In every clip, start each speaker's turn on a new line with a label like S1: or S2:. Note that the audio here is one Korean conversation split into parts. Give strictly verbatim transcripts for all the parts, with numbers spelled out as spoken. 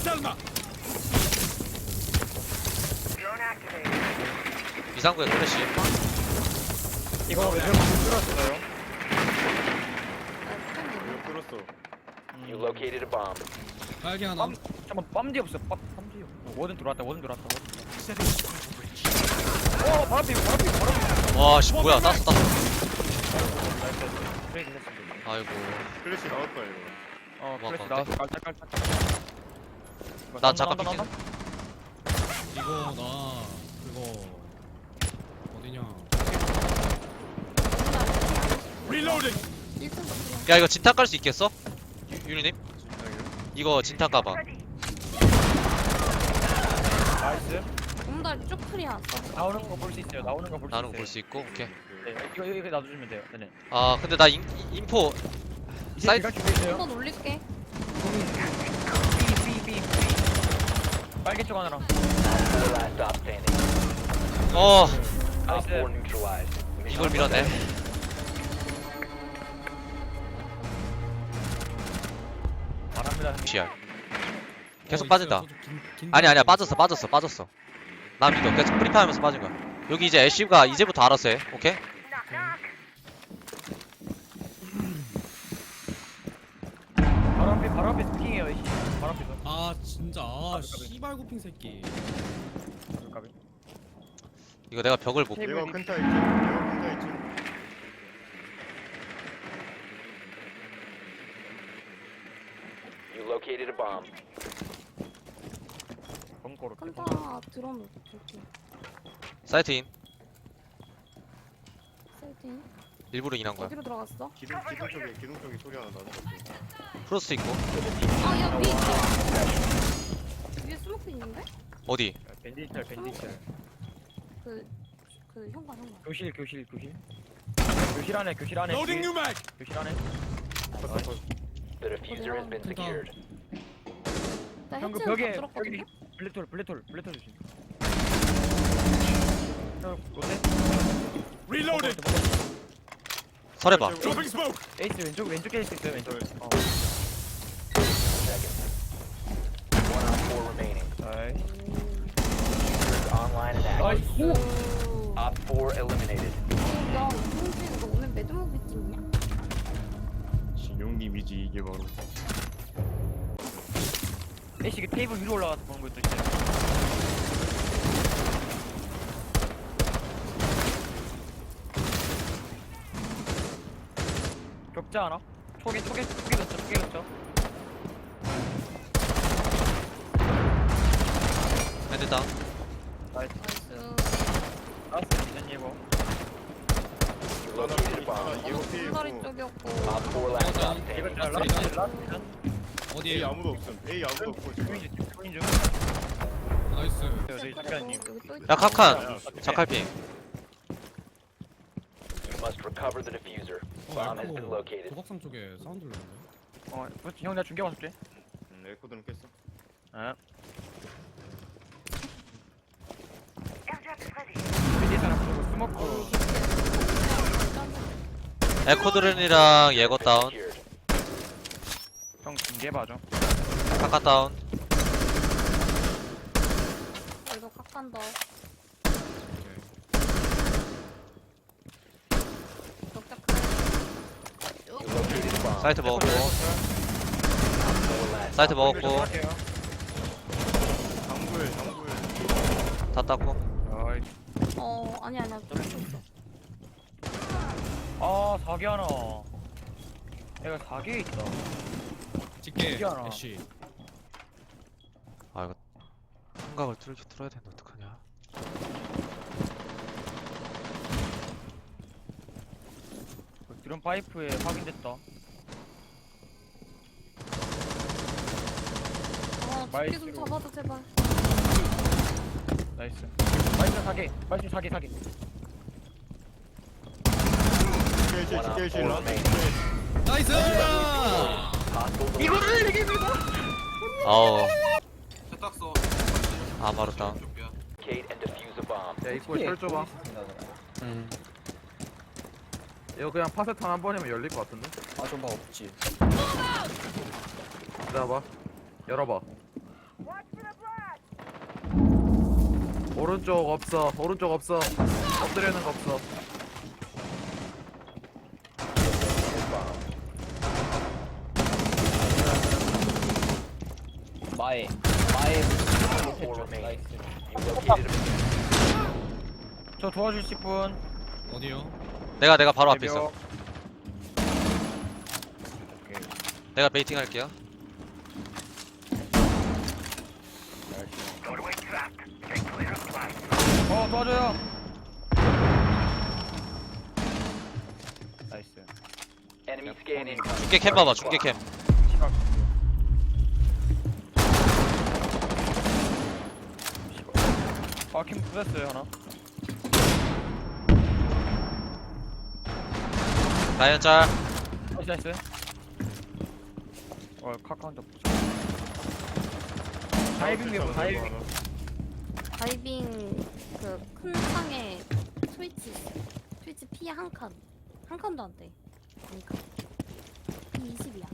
S1: 이상구의 클래시.
S2: 이거 왜 뚫었어요?
S3: 이거 뚫었어.
S4: You located a bomb.
S5: 빨개 하나.
S2: 빰, 잠깐만 빰디 없어. 빰, 빰디 없어. 워든 들어왔다. 워든 들어왔다. 워든 들어왔다. 어, 바로 앞에, 바로 앞에, 바로 앞에.
S1: 와씨 뭐야 땄어 땄어.
S2: 트레이드 했습니다.
S1: 아이고
S3: 클래시 나올 거야 이거.
S2: 어,
S1: 뭐
S2: 플래시
S1: 아까운데?
S2: 나왔어. 깔짝깔짝.
S1: 나 잠깐 삐진.
S5: 이거 나 그거 어디냐?
S1: 야 이거 진탕 깔 수 있겠어? 유, 유리님? 이거 진탕 까봐.
S2: 나이스.
S6: 옹달 쭉 클리어.
S2: 나오는 거 볼 수 있어요. 나오는 거 볼 수 있어요.
S1: 나는 거 볼 수 있고 오케이.
S2: 네, 이거, 이거, 이거 놔두시면 돼요. 네네.
S1: 아 근데 나 인, 인포
S2: 이제
S1: 사이트-
S2: 제가 준비했어요.
S6: 한번 올릴게.
S2: B, B, B, B. 빨개 쪽 하나랑.
S4: Four last stop standing.
S1: 어
S4: Op
S2: 나이스.
S4: four neutralized.
S1: 이걸 밀었네.
S2: 바랍니다.
S1: 씨알. 계속
S5: 어,
S1: 빠진다.
S5: 있어요. 저도 긴- 긴-
S1: 아니 아니야 빠졌어 빠졌어 빠졌어. 나 믿어. 계속 프리파이하면서 빠진 거야. 여기 이제 애쉬가 이제부터 알아서 해. 오케이?
S2: 바로 앞에, 바로 앞에 스킹이에요. 이 씨. 바로 앞에서.
S5: 아 진짜 아 씨발 고핑 새끼.
S2: 까비.
S1: 이거 내가 벽을 못.
S2: 테이블
S3: 이거
S2: 위-
S3: 큰타 있지. 이거 큰타 있지.
S4: You located a bomb.
S2: 벙커로.
S6: 칸타 드럼 볼게.
S1: 사이트 인.
S6: 세팅.
S1: 일부러 인한 거야.
S6: 어디로 들어갔어?
S3: 기둥 기둥 쪽에 기둥 쪽에 소리 하나 나는 거 같아.
S1: 프로스트 있고.
S6: 아, 야, 위에 있다. 위에 스모크 있는데?
S1: 어디?
S2: 밴디철, 밴디철.
S6: 그, 그 현관, 현관.
S2: 교실, 교실, 교실. 교실 안에, 교실 안에. 교실, 교실 안에.
S4: The diffuser has been secured.
S6: 나
S2: 형, 그
S6: 해치는
S2: 벽에,
S6: 다 들었거든요?
S2: 벽에 블랙톨, 블랙톨, 블랙톨 주심. 형, 롯데?
S1: 설해봐.
S2: 에이스 왼쪽, 왼쪽에 에이스 있어요, 왼쪽. 어.
S4: Seconds. One on four remaining.
S2: 아이.
S4: Diffuser is online and active.
S2: 나이스.
S6: 오.
S4: Op four eliminated.
S6: 야, 이동진, 너 오늘 매드무비 찍냐?
S3: 진용님이지 이게 바로.
S2: 에이스 그 테이블 위로 올라가서 보는 것도 있어요. 격자 하나? 초계, 초계, 초계 넣죠, 초계 넣죠.
S1: 헤드 다운.
S2: 나이스.
S6: 나이스.
S2: 나이스, 이전 예고.
S4: You located a
S3: 하나
S4: bomb.
S3: 예고
S6: 어,
S3: 피해
S6: 옹달이
S3: 있고.
S6: 쪽이었고.
S4: Op four last stop
S2: 이거
S4: standing.
S2: 자, 라스트, 라스트 이전.
S3: A
S5: 어디에요?
S3: 아무도 없음. A 아무도 없고 지금.
S2: 조인 중, 조인 중.
S5: 나이스.
S2: 저희 작가님.
S6: 여기 또 있다.
S1: 야 카칸. 자칼핑.
S4: You must recover the diffuser.
S5: 어
S4: Bomb has been
S5: 알코
S4: located.
S5: 도박상 쪽에 사운드 들리는데.
S2: 어, 그렇지. 형, 내가 중계 봤을게.
S3: 음, 에코드는 깼어.
S2: 아. 미디 사람 보고 스모크.
S1: 에코드른이랑 예거 다운.
S4: Secured.
S2: 형, 중계 봐줘.
S1: 카카 다운.
S6: 이거 각한 더. 격자
S4: You located a bomb.
S1: 사이트 먹었고.
S4: Four last.
S1: 사이트 먹었고.
S3: 장구에 장구에.
S1: 다 땄고.
S2: 어이.
S6: 어, 아니, 아니야. 좀 있어.
S2: 아, 사기 하나. 얘가 사기에 있다.
S5: 찍게
S2: 신기하다.
S5: 애쉬.
S1: 아 이거 한각을 뚫기 뚫어야 되는데 어떡하냐.
S2: 드럼 파이프에 확인됐다.
S6: 아,
S2: 마이크.
S6: 집게 좀 잡아줘, 제발.
S2: 나이스. 마이스 사기. 마이스 사기 사기.
S3: 깨지
S4: One on
S3: 깨지
S4: four
S3: 라스.
S4: remaining.
S5: 나이스.
S4: Hostile
S2: 이거를 이게 이거.
S1: 아우. 아 바로 다운.
S4: locate and defuse a bomb.
S7: 야 입구에 철 줘봐.
S1: 음.
S7: 이거 그냥 파세탄 한 번이면 열릴 것 같은데?
S2: 아, 좀 봐 없지.
S7: 기다려봐. 열어봐. 오른쪽 없어. 오른쪽 없어. 엎드리는 거 없어.
S6: 마에 마에
S4: Four remaining.
S6: 나이스.
S4: You located a
S2: 저 도와주실 분.
S5: 어디요?
S1: 내가 내가 바로 앞에
S2: 대벽.
S1: 있어. 내가 베이팅 할게요.
S2: 어 도와줘요.
S6: 나이스.
S4: enemy scan incoming.
S1: 중계 캠 봐봐. 중계 캠.
S2: 시각. 아캠 부쉈어요 하나.
S1: 라이언 짤.
S2: 나이스 나이스. 어 카카오한테 부쉈어. 다이빙 배우 다이빙.
S8: 다이빙 그 큰 창에 스위치 있어. 스위치 피해 한 칸. 한 칸도 안 돼. 한 칸. 피 이십이야.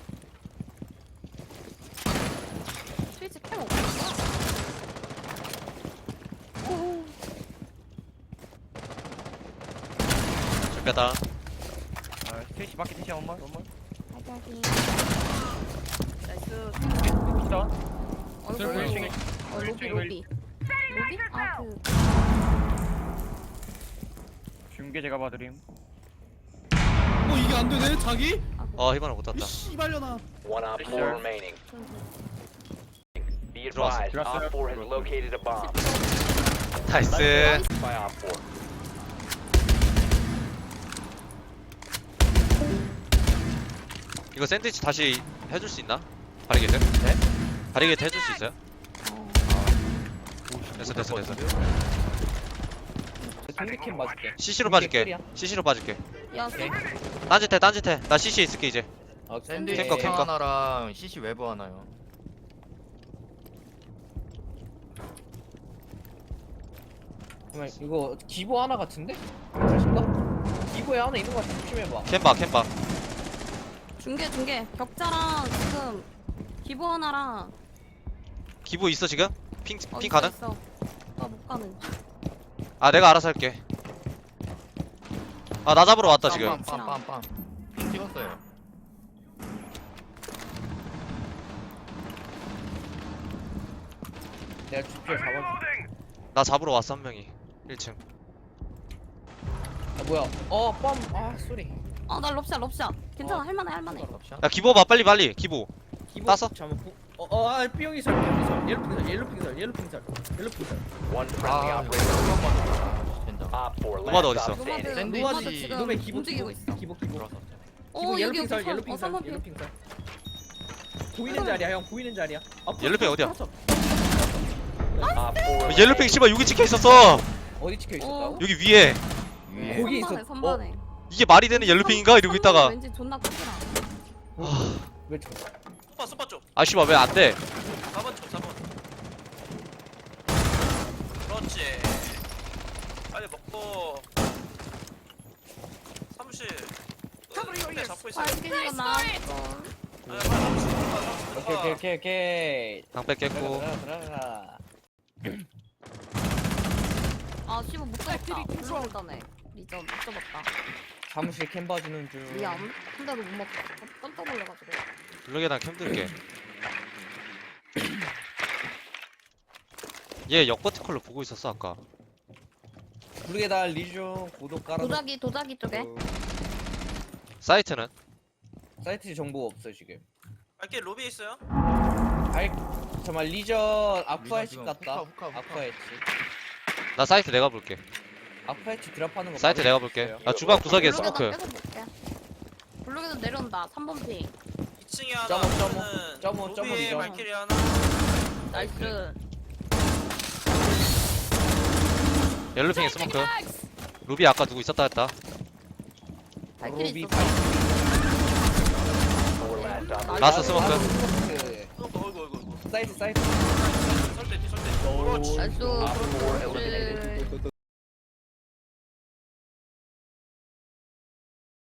S8: 스위치 캠 없어.
S1: 중계다.
S2: 아 스테이시 마켓 스테이시 원만 원만.
S8: 하긴.
S2: 나이스. 진짜.
S8: 어이구,
S5: 셀프
S8: 어이구.
S2: 일층에.
S8: 어, 로비 로비. 로비? 아 그.
S2: 중계 제가 봐드림.
S5: 어 이게 안 되네 자기?
S1: 어 희망을 못
S5: 이
S1: 땄다.
S5: 씨발려나.
S4: One op four remaining. Be
S1: 들어왔어.
S4: advised,
S2: 들어왔어요.
S4: Op four has located a bomb.
S1: 나이스.
S4: By Op four.
S1: 이거 샌드위치 다시 해줄 수 있나? 바리게이트? 네? 바리게이트 해줄 수 있어요? 됐어 됐어 됐어.
S6: 중계캠 맞을게.
S1: 씨씨로 빠질게. 씨씨로 빠질게.
S8: 야, 쌤.
S1: 딴짓해 딴짓해. 나 씨씨 있을게 이제.
S6: 아,
S8: 샌드위치
S1: 캠커, 캠커.
S9: 하나랑 씨씨 외부 하나요.
S6: 잠깐만, 이거 기보 하나 같은데? 자신가? 기보에 하나 있는 거 같아. 조심해봐.
S1: 캠봐 캠봐.
S8: 중계 중계. 격자랑 지금 기보 하나랑.
S1: 기부 있어 지금? 핑,
S8: 어,
S1: 핑
S8: 있어,
S1: 가능?
S8: 있어. 나못 가는.
S1: 아 내가 알아서 할게. 아 나 잡으러 왔다 지금.
S9: 빰빰빰빰. 핑 찍었어요.
S6: 내가 주표 잡아줄게.
S1: 나 잡으러 왔어 한 명이. 일 층.
S6: 아, 뭐야. 어, 뻔. 아, 쏘리.
S8: 어, 나 럽샷 럽샷. 괜찮아.
S6: 어.
S8: 할만해 할만해.
S1: 야 기부 봐 빨리 빨리 기부.
S6: 기보
S1: 따서?
S6: 잠깐만. 부- 어, 어, 아, B형이 설, B형이 설. 옐로 핑설, 옐로 핑설, 옐로 핑설, 옐로 핑설.
S4: One friendly
S9: 아,
S4: operator.
S9: 된장.
S4: Op four
S1: 노마드
S4: last
S1: 어딨어?
S4: stop standing.
S8: 노마드
S9: 샌드위치.
S8: 노마드 지금
S6: 이놈의 기보,
S8: 움직이고
S6: 기보,
S8: 있어.
S6: 기보, 기보.
S9: 들어왔어.
S8: 어,
S6: 기보
S8: 여기
S6: 옐로
S8: 여기
S6: 핑설,
S8: 서-
S6: 옐로
S8: 어,
S6: 핑설,
S8: 삼번
S6: 옐로
S8: 핑.
S6: 핑설. 보이는 자리야, 형. 보이는 자리야. 아,
S1: 옐로 핑 어디야?
S6: 풀었어.
S4: Op four
S1: 어, 옐로핑 씨발 여기 찍혀 있었어.
S6: 어디 찍혀 있었다고?
S1: 여기 위에.
S9: 위에.
S6: 거기 있어.
S8: 선반에 선반에.
S1: 이게 말이 되는 옐로핑인가 이러고 있다가.
S8: 왠지 존나 크더라.
S6: 왜 저?
S2: 스파 스파 쪽.
S1: 아 씨발 왜 안 돼?
S2: 사 번 쪽 사 번. 그렇지. 빨리 먹고. 사무실. 네, 잡고 있어.
S8: 발길이가 나왔어.
S6: 오케이, 오케이, 오케이, 오케이.
S1: 방 뺏겠고.
S6: 들어가, 들어가, 들어가.
S8: 아 씨발 못 잡았다. 불러온다네. 리전 못 잡았다.
S6: 사무실 캠 봐주는 중.
S8: 미안. 한 대도 못 맞다. 깜짝 놀래가지고.
S1: 블록에다 캠 들게. 얘 역버티컬로 보고 있었어 아까.
S6: 부르게다 리중 구독 깔아.
S8: 도자기 도자기 쪽에.
S1: 사이트는?
S6: 사이트 정보 없어 지금.
S2: 밖에 로비에 있어요?
S6: 알 잠깐 리전 아쿠아 해치
S9: 지금
S6: 같다.
S9: 후카, 후카,
S6: 아쿠아 해치.
S1: 나 사이트 내가 볼게.
S6: 아쿠아 해치 드랍하는 거.
S1: 사이트
S6: 바로
S1: 내가 볼게.
S6: 있어요.
S1: 나 주방 구석에
S8: 블록에다
S1: 스모크.
S8: 계속 볼게. 블록에서 내려온다. 삼 번 핑.
S2: 이 층에 하나.
S6: 점오, 점오.
S2: 하면은
S6: 점오, 점오,
S2: 로비에
S6: 점오.
S2: 발키리 하나.
S8: 나이스.
S1: 옐로핑에 스모크. 루비 아까 누구 있었다 했다.
S8: 발길이
S6: 로비
S8: 있었어.
S4: Four last op.
S1: 라스 스모크.
S2: 어이구 어이구 어이구.
S6: 사이트 사이트.
S2: 설대 뒤 설대. 그렇지.
S8: 나이스.
S4: Op four
S8: 그렇지.
S4: eliminated.